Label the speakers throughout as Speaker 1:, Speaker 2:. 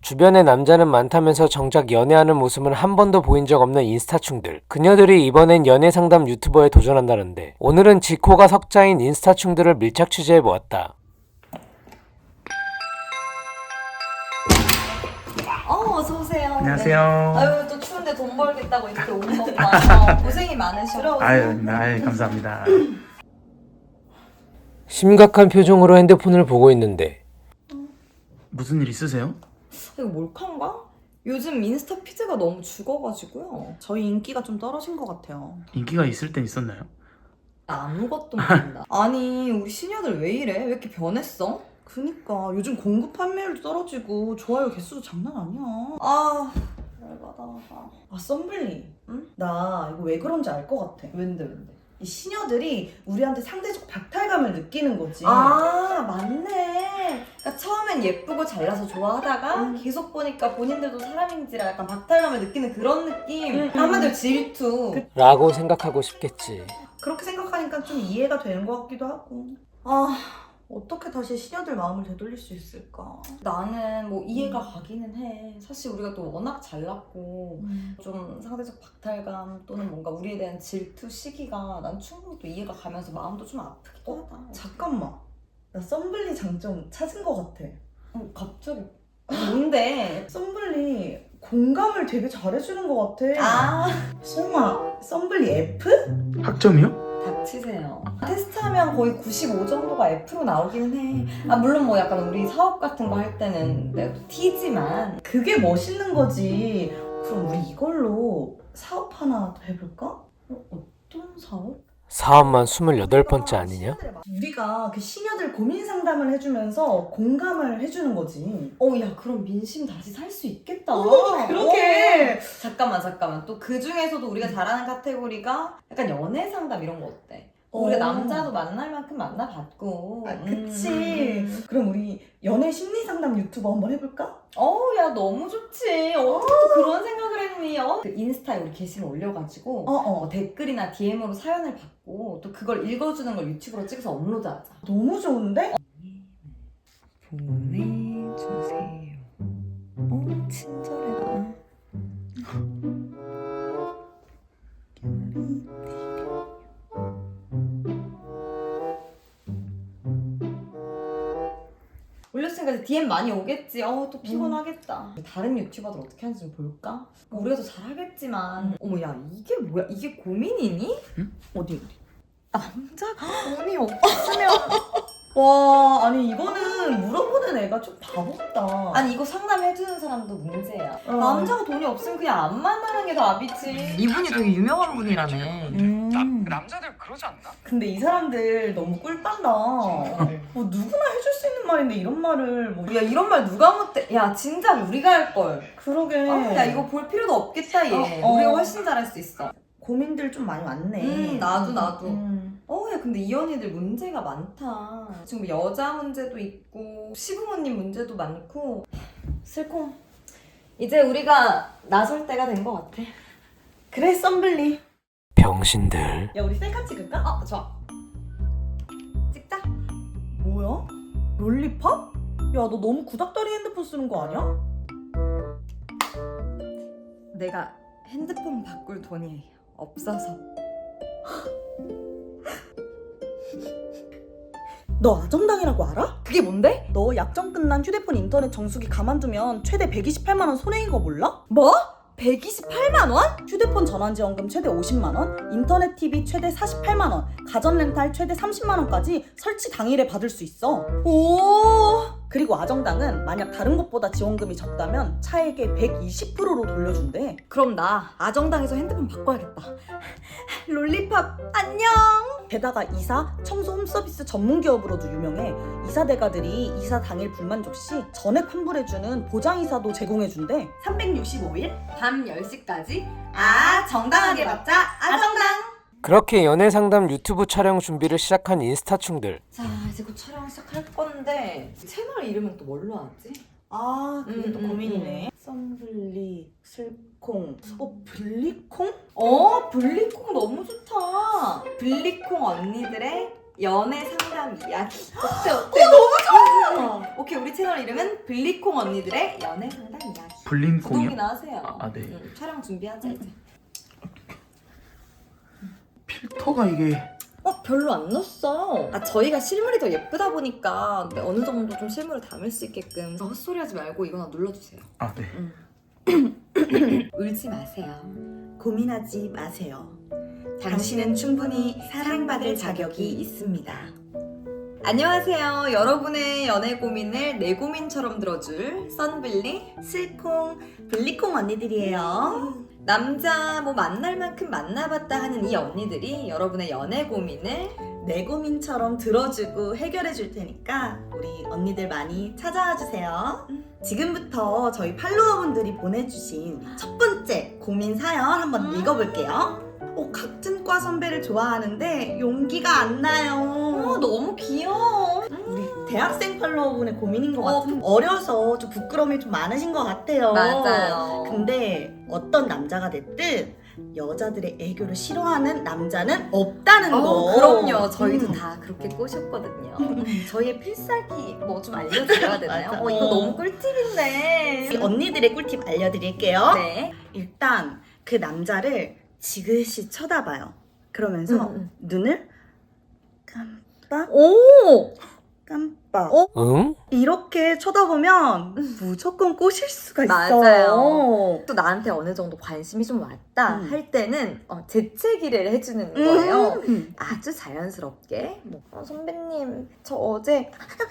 Speaker 1: 주변에 남자는 많다면서 정작 연애하는 모습은 한 번도 보인 적 없는 인스타충들. 그녀들이 이번엔 연애상담 유튜버에 도전한다는데 오늘은 지코가 석자인 인스타충들을 밀착 취재해보았다.
Speaker 2: 어서오세요.
Speaker 3: 안녕하세요.
Speaker 2: 네. 아유, 또 추운데 돈 벌겠다고 이렇게 오는 것만 고생이 많으셔.
Speaker 3: 아유, 감사합니다.
Speaker 1: 심각한 표정으로 핸드폰을 보고 있는데
Speaker 3: 무슨 일 있으세요?
Speaker 2: 이거 몰카인가? 요즘 인스타 피드가 너무 죽어가지고요.
Speaker 4: 저희 인기가 좀 떨어진 것 같아요.
Speaker 3: 인기가 있을 땐 있었나요?
Speaker 2: 아무것도 모른다. 아니, 우리 시녀들 왜 이래? 왜 이렇게 변했어?
Speaker 4: 그니까 요즘 공급 판매율도 떨어지고 좋아요 개수도 장난 아니야.
Speaker 2: 아, 열받아.
Speaker 4: 아 썸블리,
Speaker 2: 응?
Speaker 4: 나 이거 왜 그런지 알 것 같아.
Speaker 2: 왠데?
Speaker 4: 이 시녀들이 우리한테 상대적 박탈감을 느끼는 거지.
Speaker 2: 아, 맞네. 그러니까 처음엔 예쁘고 잘나서 좋아하다가 계속 보니까 본인들도 사람인지라 약간 박탈감을 느끼는 그런 느낌. 한마디로 질투.
Speaker 1: 라고 생각하고 싶겠지.
Speaker 4: 그렇게 생각하니까 좀 이해가 되는 것 같기도 하고. 아, 어떻게 다시 시녀들 마음을 되돌릴 수 있을까?
Speaker 2: 나는 뭐 이해가 가기는 해. 사실 우리가 또 워낙 잘났고 좀 상대적 박탈감 또는 뭔가 우리에 대한 질투 시기가 난 충분히 또 이해가 가면서 마음도 좀 아프기도 하다.
Speaker 4: 잠깐만, 나 썸블리 장점 찾은 것 같아.
Speaker 2: 갑자기 뭔데?
Speaker 4: 썸블리 공감을 되게 잘해주는 것 같아.
Speaker 2: 아,
Speaker 4: 설마 썸블리 F?
Speaker 3: 학점이요?
Speaker 2: 닥치세요. 테스트하면 거의 95 정도가 F로 나오기는 해. 아, 물론 뭐 약간 우리 사업 같은 거 할 때는 내가 또 T지만
Speaker 4: 그게 멋있는 거지. 그럼 우리 이걸로 사업 하나 더 해볼까?
Speaker 2: 어떤 사업?
Speaker 1: 사업만 28번째 아니냐?
Speaker 4: 우리가 그 시녀들 고민 상담을 해주면서 공감을 해주는 거지.
Speaker 2: 야, 그럼 민심 다시 살 수 있겠다.
Speaker 4: 그러게.
Speaker 2: 잠깐만. 또 그 중에서도 우리가 잘하는 카테고리가 약간 연애 상담 이런 거 어때? 우리가 남자도 만날 만큼 만나봤고.
Speaker 4: 아, 그치. 그럼 우리 연애 심리 상담 유튜버 한번 해볼까?
Speaker 2: 야, 너무 좋지. 어떻게 또 그런 생각을 했니? 그 인스타에 우리 게시물 올려가지고 댓글이나 DM으로 사연을 받고 또 그걸 읽어주는 걸 유튜브로 찍어서 업로드하자.
Speaker 4: 너무 좋은데?
Speaker 2: 보내주세요. 친절해라. 올렸으니까 이제 DM 많이 오겠지. 또 피곤하겠다. 다른 유튜버들 어떻게 하는지 좀 볼까? 우리가 더 잘하겠지만. 어머, 야, 이게 뭐야? 이게 고민이니?
Speaker 4: 어디?
Speaker 2: 남자가 돈이 없으면.
Speaker 4: 와, 아니 이거는 물어보는 애가 좀 바보다.
Speaker 2: 아니, 이거 상담해주는 사람도 문제야. 남자가 돈이 없으면 그냥 안 만나는 게 답이지.
Speaker 5: 이분이 되게 유명한 분이라네.
Speaker 6: 남자들 그러지 않나?
Speaker 4: 근데 이 사람들 너무 꿀빤다. 뭐 누구나 해줄 수 있는 말인데 이런 말을 뭐.
Speaker 2: 야, 이런 말 누가 못해? 야, 진작 우리가 할걸.
Speaker 4: 그러게.
Speaker 2: 야, 이거 볼 필요도 없겠다, 얘.
Speaker 4: 어.
Speaker 2: 우리가 훨씬 잘할 수 있어.
Speaker 4: 고민들 좀 많이 많네.
Speaker 2: 나도. 야, 근데 이 언니들 문제가 많다. 지금 여자 문제도 있고, 시부모님 문제도 많고. 슬콩. 이제 우리가 나설 때가 된 것 같아.
Speaker 4: 그래, 썸블리.
Speaker 1: 병신들.
Speaker 4: 야, 우리 셀카 찍을까?
Speaker 2: 좋아. 찍자.
Speaker 4: 뭐야? 롤리팝? 야, 너 너무 구닥다리 핸드폰 쓰는 거 아니야?
Speaker 2: 내가 핸드폰 바꿀 돈이 없어서.
Speaker 4: 너 아정당이라고 알아?
Speaker 2: 그게 뭔데?
Speaker 4: 너 약정 끝난 휴대폰 인터넷 정수기 가만두면 최대 128만 원 손해인 거 몰라?
Speaker 2: 뭐? 128만 원?
Speaker 4: 휴대폰 전환지원금 최대 50만 원, 인터넷 TV 최대 48만 원, 가전 렌탈 최대 30만 원까지 설치 당일에 받을 수 있어.
Speaker 2: 오.
Speaker 4: 그리고 아정당은 만약 다른 곳보다 지원금이 적다면 차액의 120%로 돌려준대.
Speaker 2: 그럼 나 아정당에서 핸드폰 바꿔야겠다. 롤리팝 안녕.
Speaker 4: 게다가 이사, 청소 홈서비스 전문 기업으로도 유명해. 이사 대가들이 이사 당일 불만족 시 전액 환불해주는 보장이사도 제공해준대. 365일?
Speaker 2: 밤 10시까지 정당하게 받자. 아정당.
Speaker 1: 그렇게 연애상담 유튜브 촬영 준비를 시작한 인스타충들.
Speaker 2: 자, 이제 곧 촬영 시작할 건데 채널 이름은 또 뭘로 하지?
Speaker 4: 아, 그게 또
Speaker 2: 음,
Speaker 4: 고민이네. 썸블리, 슬콩, 블리콩?
Speaker 2: 블리콩 너무 좋다. 블리콩 언니들의 연애 상담 이야기. 어때? 너무 좋아. 오케이, 우리 채널 이름은 블리콩 언니들의 연애 연애 상담 이야기.
Speaker 3: 불린 공유.
Speaker 2: 구독이나 하세요.
Speaker 3: 아, 네.
Speaker 2: 촬영 준비하자 이제.
Speaker 3: 필터가 이게
Speaker 2: 별로 안 넣었어. 저희가 실물이 더 예쁘다 보니까 어느 정도 좀 실물을 담을 수 있게끔 헛소리 하지 말고 이거나 눌러주세요.
Speaker 3: 아, 네.
Speaker 2: 울지 마세요.
Speaker 4: 고민하지 마세요.
Speaker 2: 당신은 충분히 사랑받을 자격이 있습니다. 안녕하세요. 여러분의 연애 고민을 내 고민처럼 들어줄 썬블리
Speaker 4: 슬콩, 블리콩 언니들이에요.
Speaker 2: 남자 만날 만큼 만나봤다 하는 이 언니들이 여러분의 연애 고민을
Speaker 4: 내 고민처럼 들어주고 해결해 줄 테니까 우리 언니들 많이 찾아와 주세요. 지금부터 저희 팔로워분들이 보내주신 첫 번째 고민 사연 한번 읽어볼게요. 같은 과 선배를 좋아하는데 용기가 안 나요.
Speaker 2: 너무 귀여워.
Speaker 4: 우리 대학생 팔로워분의 고민인 것 같아요. 어려서 좀 부끄러움이 좀 많으신 것 같아요.
Speaker 2: 맞아요.
Speaker 4: 근데 어떤 남자가 됐든 여자들의 애교를 싫어하는 남자는 없다는 거.
Speaker 2: 그럼요. 저희도 다 그렇게 꼬셨거든요. 저희의 필살기 좀 알려드려야 되나요?
Speaker 4: 맞아.
Speaker 2: 이거 너무 꿀팁인데.
Speaker 4: 우리 언니들의 꿀팁 알려드릴게요.
Speaker 2: 네.
Speaker 4: 일단 그 남자를 지그시 쳐다봐요. 그러면서 눈을 깜빡
Speaker 2: 오!
Speaker 4: 깜빡
Speaker 1: 응?
Speaker 4: 이렇게 쳐다보면 무조건 꼬실 수가 있어.
Speaker 2: 맞아요. 또 나한테 어느 정도 관심이 좀 왔다 할 때는 재채기를 해주는 거예요. 아주 자연스럽게. 선배님, 저 어제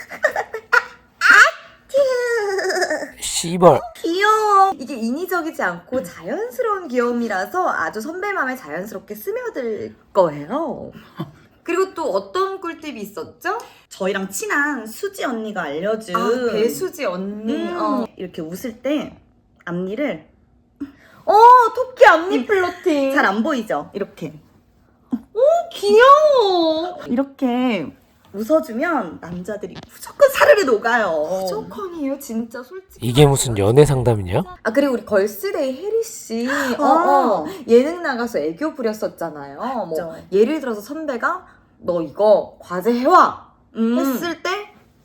Speaker 1: 씨벌.
Speaker 4: 귀여워.
Speaker 2: 이게 인위적이지 않고 자연스러운 귀여움이라서 아주 선배 마음에 자연스럽게 스며들 거예요. 그리고 또 어떤 꿀팁이 있었죠?
Speaker 4: 저희랑 친한 수지 언니가 알려준
Speaker 2: 배수지 언니.
Speaker 4: 이렇게 웃을 때 앞니를
Speaker 2: 토끼 앞니 플로팅.
Speaker 4: 잘 안 보이죠? 이렇게
Speaker 2: 귀여워.
Speaker 4: 이렇게 웃어주면 남자들이 무조건 사르르 녹아요.
Speaker 2: 무조건이에요, 진짜 솔직히.
Speaker 1: 이게 무슨 연애 상담이냐?
Speaker 2: 그리고 우리 걸스데이 혜리 씨 예능 나가서 애교 부렸었잖아요.
Speaker 4: 맞죠.
Speaker 2: 예를 들어서 선배가 너 이거 과제 해와 했을 때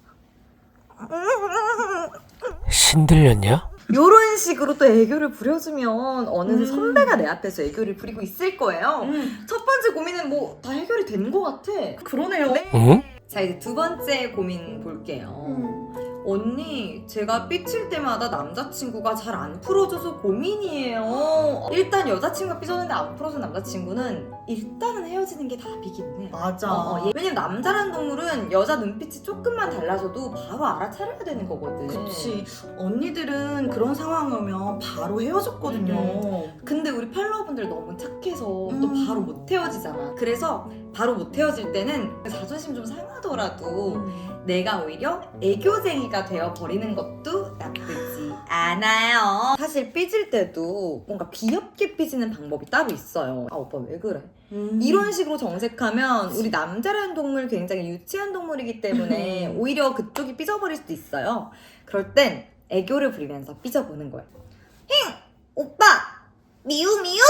Speaker 1: 신들렸냐?
Speaker 2: 요런 식으로 또 애교를 부려주면 어느새 선배가 내 앞에서 애교를 부리고 있을 거예요. 첫 번째 고민은 다 해결이 된 것 같아.
Speaker 4: 그러네요.
Speaker 1: 응?
Speaker 2: 자, 이제 두 번째 고민 볼게요. 언니, 제가 삐칠 때마다 남자친구가 잘 안 풀어줘서 고민이에요. 일단 여자친구가 삐졌는데 안 풀어준 남자친구는 일단은 헤어지는 게 답이기는 해.
Speaker 4: 맞아.
Speaker 2: 왜냐면 남자라는 동물은 여자 눈빛이 조금만 달라져도 바로 알아차려야 되는 거거든.
Speaker 4: 그치. 언니들은 그런 상황 오면 바로 헤어졌거든요.
Speaker 2: 근데 우리 팔로워분들 너무 착해서 또 바로 못 헤어지잖아. 그래서 바로 못 헤어질 때는 자존심 좀 상하더라도 내가 오히려 애교쟁이가 되어버리는 것도 나쁘지 않아요. 사실 삐질 때도 뭔가 귀엽게 삐지는 방법이 따로 있어요. 오빠 왜 그래? 이런 식으로 정색하면 우리 남자라는 동물 굉장히 유치한 동물이기 때문에 오히려 그쪽이 삐져버릴 수도 있어요. 그럴 땐 애교를 부리면서 삐져보는 거예요. 힝! 오빠! 미우미우!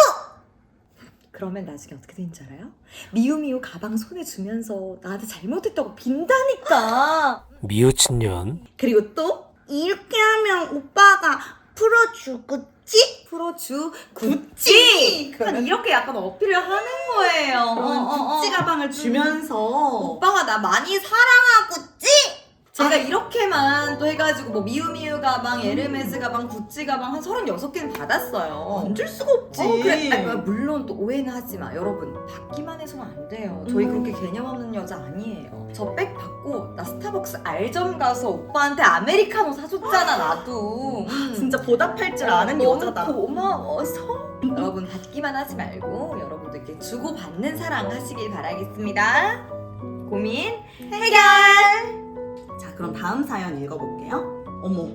Speaker 2: 그러면 나중에 어떻게 되는지 알아요? 미우미우 가방 손에 주면서 나한테 잘못했다고 빈다니까.
Speaker 1: 미우친 년.
Speaker 4: 그리고 또 이렇게 하면 오빠가 풀어주겠지?
Speaker 2: 풀어주겠지. 그러면 이렇게 약간 어필을 하는 거예요.
Speaker 4: 구찌 가방을 주면서
Speaker 2: 오빠가 나 많이 사랑하겠지? 제가 이렇게만 또 해가지고 미우미우 가방, 에르메스 가방, 구찌 가방 한 36개는 받았어요.
Speaker 4: 안 줄 수가 없지.
Speaker 2: 그래. 물론 또 오해는 하지 마. 여러분, 받기만 해서는 안 돼요. 저희 그렇게 개념 없는 여자 아니에요. 저 백 받고 나 스타벅스 알점 가서 오빠한테 아메리카노 사줬잖아, 나도.
Speaker 4: 진짜 보답할 줄 아는
Speaker 2: 너무
Speaker 4: 여자다.
Speaker 2: 고마워서. 여러분, 받기만 하지 말고 여러분들께 주고받는 사랑 하시길 바라겠습니다. 고민 해결!
Speaker 4: 자, 그럼 다음 사연 읽어볼게요. 어머,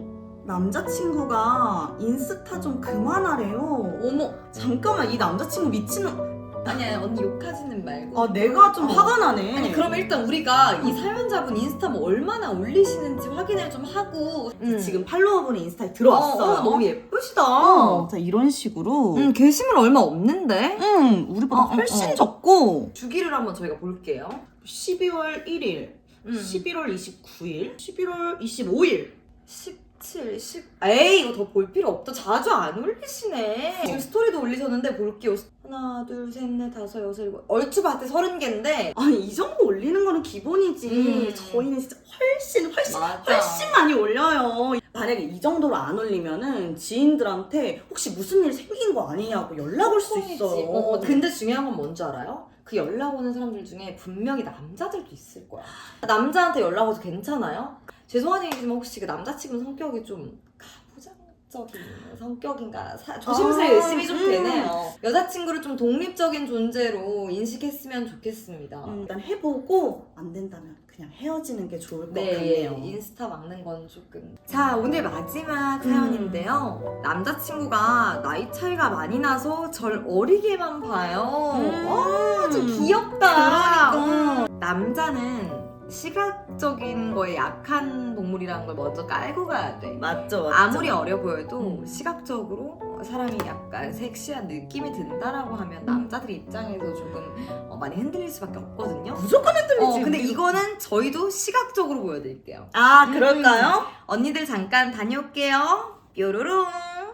Speaker 4: 남자친구가 인스타 좀 그만하래요.
Speaker 2: 어머,
Speaker 4: 잠깐만, 이 남자친구 미친놈.
Speaker 2: 아니야, 언니 욕하지는 말고.
Speaker 4: 내가 좀 화가 나네.
Speaker 2: 아니, 그럼 일단 우리가 이 사연자분 인스타 얼마나 올리시는지 확인을 좀 하고.
Speaker 4: 지금 팔로워분이 인스타에 들어왔어요.
Speaker 2: 너무 예쁘시다.
Speaker 4: 자, 이런 식으로.
Speaker 2: 게시물 얼마 없는데?
Speaker 4: 우리보다 훨씬 적고.
Speaker 2: 주기를 한번 저희가 볼게요.
Speaker 4: 12월 1일, 11월 29일, 11월 25일.
Speaker 2: 17, 10. 에이, 이거 더 볼 필요 없다. 자주 안 올리시네. 지금 스토리도 올리셨는데 볼게요. 하나, 둘, 셋, 넷, 다섯, 여섯, 일곱. 얼추 봤을 때 30개인데.
Speaker 4: 아니 이 정도 올리는 거는 기본이지. 저희는 진짜 훨씬 많이 올려요. 만약에 이 정도로 안 올리면은 지인들한테 혹시 무슨 일 생긴 거 아니냐고 연락 올 수 있어요.
Speaker 2: 근데 중요한 건 뭔지 알아요? 그 연락 오는 사람들 중에 분명히 남자들도 있을 거야. 남자한테 연락 와도 괜찮아요? 죄송한 얘기지만 혹시 그 남자친구 성격이 좀 가부장적인 성격인가? 조심스레 의심이 좀 되네요. 여자친구를 좀 독립적인 존재로 인식했으면 좋겠습니다.
Speaker 4: 일단 해보고 안 된다면 그냥 헤어지는 게 좋을 것
Speaker 2: 네,
Speaker 4: 같네요.
Speaker 2: 인스타 막는 건 조금. 자, 오늘 마지막 사연인데요. 남자친구가 나이 차이가 많이 나서 절 어리게만 봐요. 좀 귀엽다.
Speaker 4: 그러니까.
Speaker 2: 남자는 시각적인 거에 약한 동물이라는 걸 먼저 깔고 가야 돼.
Speaker 4: 맞죠.
Speaker 2: 아무리 어려 보여도 시각적으로 사람이 약간 섹시한 느낌이 든다라고 하면 남자들 입장에서 조금 많이 흔들릴 수밖에 없거든요.
Speaker 4: 무조건 흔들리지.
Speaker 2: 근데 이거는 저희도 시각적으로 보여드릴게요.
Speaker 4: 아 그럴까요?
Speaker 2: 언니들 잠깐 다녀올게요. 뾰로롱.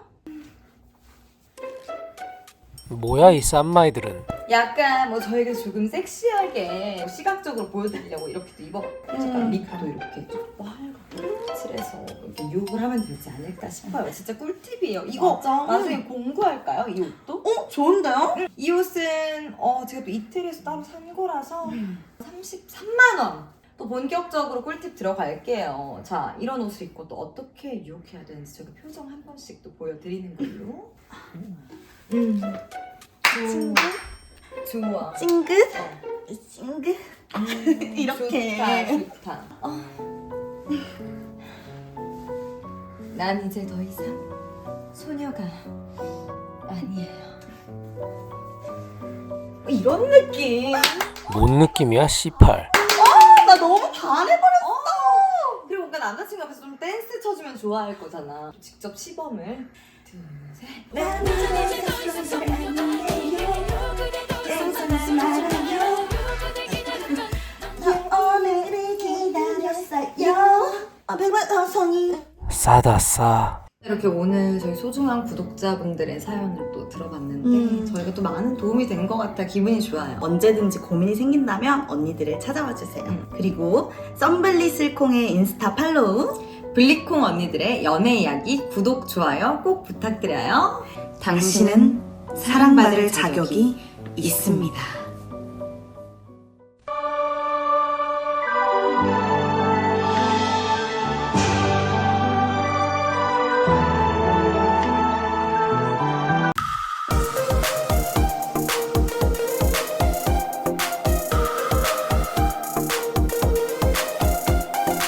Speaker 1: 뭐야 이 쌈마이들은.
Speaker 2: 약간 뭐 저희가 조금 섹시하게 시각적으로 보여드리려고 이렇게 또 입어봤어요. 립도 이렇게 좀 빨갛게 칠해서 이렇게 욕을 하면 되지 않을까 싶어요. 진짜 꿀팁이에요. 이거
Speaker 4: 맞아.
Speaker 2: 나중에 공구할까요? 이 옷도?
Speaker 4: 좋은데요?
Speaker 2: 이 옷은 제가 또 이태리에서 따로 산 거라서 33만 원. 또 본격적으로 꿀팁 들어갈게요. 자, 이런 옷을 입고 또 어떻게 유혹해야 되는지 제가 표정 한 번씩 또 보여드리는 걸로. 좋아.
Speaker 4: 찡긋?
Speaker 2: 어.
Speaker 4: 찡긋? 이렇게.
Speaker 2: 좋다. 난 이제 더 이상 소녀가 아니에요. 이런 느낌.
Speaker 1: 뭔 느낌이야 C8.
Speaker 4: 나 너무 반해버렸어.
Speaker 2: 그리고 뭔가 남자친구 앞에서 좀 댄스 쳐주면 좋아할 거잖아. 직접 시범을. 둘, 셋.
Speaker 4: 오늘을 기다렸어요. 백만 성이.
Speaker 1: 싸다 싸.
Speaker 2: 이렇게 오늘 저희 소중한 구독자분들의 사연을 또 들어봤는데 저희가 또 많은 도움이 된 것 같아 기분이 좋아요.
Speaker 4: 언제든지 고민이 생긴다면 언니들을 찾아와 주세요. 그리고 썸블리 슬콩의 인스타 팔로우.
Speaker 2: 블리콩 언니들의 연애 이야기 구독, 좋아요 꼭 부탁드려요.
Speaker 4: 당신은 사랑받을 자격이 있습니다.